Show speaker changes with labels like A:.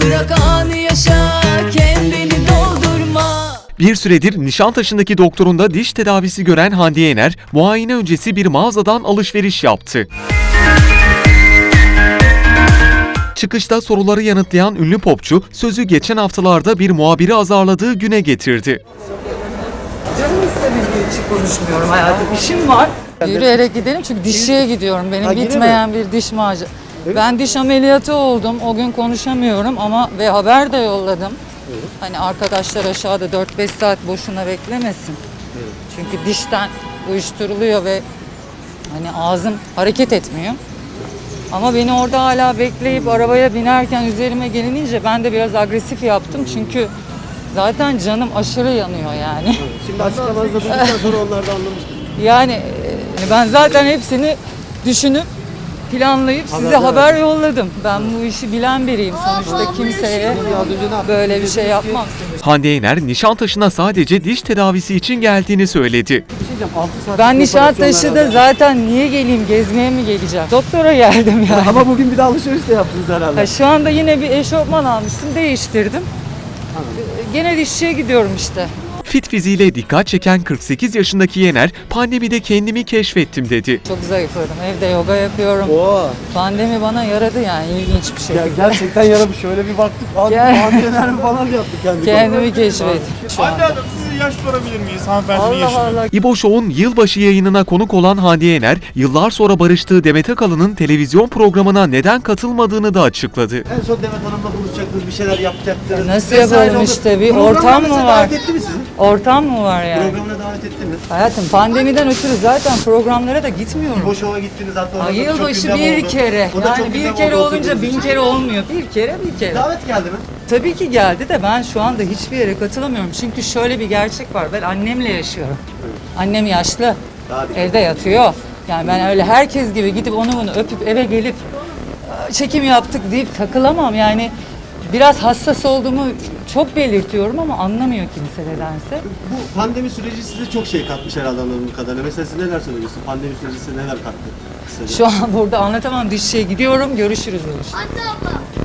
A: Bırak anı yaşa, kendini doldurma.
B: Bir süredir Nişantaşı'ndaki doktorunda diş tedavisi gören Hande Yener, muayene öncesi bir mağazadan alışveriş yaptı. Çıkışta soruları yanıtlayan ünlü popçu, sözü geçen haftalarda bir muhabiri azarladığı güne getirdi.
C: Canım istemediği için konuşmuyorum hayatım. İşim var. Yürüyerek gidelim çünkü dişçiye gidiyorum. Benim bitmeyen bir diş macera. Ben diş ameliyatı oldum. O gün konuşamıyorum ama ve haber de yolladım. Hani arkadaşlar aşağıda 4-5 saat boşuna beklemesin. Çünkü dişten uyuşturuluyor ve hani ağzım hareket etmiyor. Ama beni orada hala bekleyip arabaya binerken üzerime gelinince ben de biraz agresif yaptım. Çünkü zaten canım aşırı yanıyor yani.
D: Şimdi açıklamanızda duyduktan sonra onlar da anlamıştır.
C: Yani ben zaten hepsini düşünüp planlayıp size haber yolladım. Ben bu işi bilen biriyim sonuçta, kimseye böyle bir şey yapmam.
B: Hande Yener, Nişantaşı'na sadece diş tedavisi için geldiğini söyledi.
C: Ben Nişantaşı'da zaten niye geleyim, gezmeye mi geleceğim? Doktora geldim yani.
D: Ama bugün bir de alışveriş de yaptınız herhalde.
C: Ha, şu anda yine bir eşofman almıştım, değiştirdim. Gene dişçiye gidiyorum işte.
B: Fit fiziğiyle dikkat çeken 48 yaşındaki Yener, pandemide kendimi keşfettim dedi.
C: Çok zayıfladım, evde yoga yapıyorum.
D: Oo.
C: Pandemi bana yaradı yani ilginç bir şey.
D: Gerçekten yaramış. Şöyle bir baktık. Antener mi falan yaptık kendi.
C: Kendimi keşfettim şu
E: Hande
C: anda.
E: Hanım, size yaş sorabilir miyiz? Hanımefendi
C: Allah
E: yaşını.
C: Allah.
B: İbo Show'un yılbaşı yayınına konuk olan Hande Yener, yıllar sonra barıştığı Demet Akalın'ın televizyon programına neden katılmadığını da açıkladı.
D: En son Demet Hanım'la buluşacaktınız, bir şeyler yapacaktınız.
C: Nasıl
D: Vesaire
C: yapalım
D: oldu.
C: işte, bir
D: Programına
C: ortam mı
D: mesela
C: var?
D: davet etti mi sizi?
C: Ortam mı var yani?
D: Programına davet etti mi?
C: Hayatım pandemiden ötürü zaten programlara da gitmiyorum.
D: İbo Show'a gittiniz hatta. orada
C: Ay,
D: da çok
C: yılbaşı
D: gündem
C: bir
D: oldu.
C: kere.
D: O da çok
C: Yani bir
D: gündem
C: kere
D: oldu
C: olunca
D: oturduğunuz
C: 1000
D: için.
C: kere olmuyor. Bir kere.
D: Davet geldi mi?
C: Tabii ki geldi de ben şu anda hiçbir yere katılamıyorum. Çünkü şöyle bir gerçek var. Ben annemle yaşıyorum. Annem yaşlı. Evde yatıyor. Yani ben öyle herkes gibi gidip onu bunu öpüp eve gelip çekim yaptık deyip takılamam. Yani biraz hassas olduğumu çok belirtiyorum ama anlamıyor kimse nedense.
D: Bu pandemi süreci size çok şey katmış herhalde anladığım kadarıyla. Mesela siz neler söylüyorsunuz? Pandemi süreci size neler kattı? Kısaca.
C: Şu an burada anlatamam. Dişçiye gidiyorum. Görüşürüz.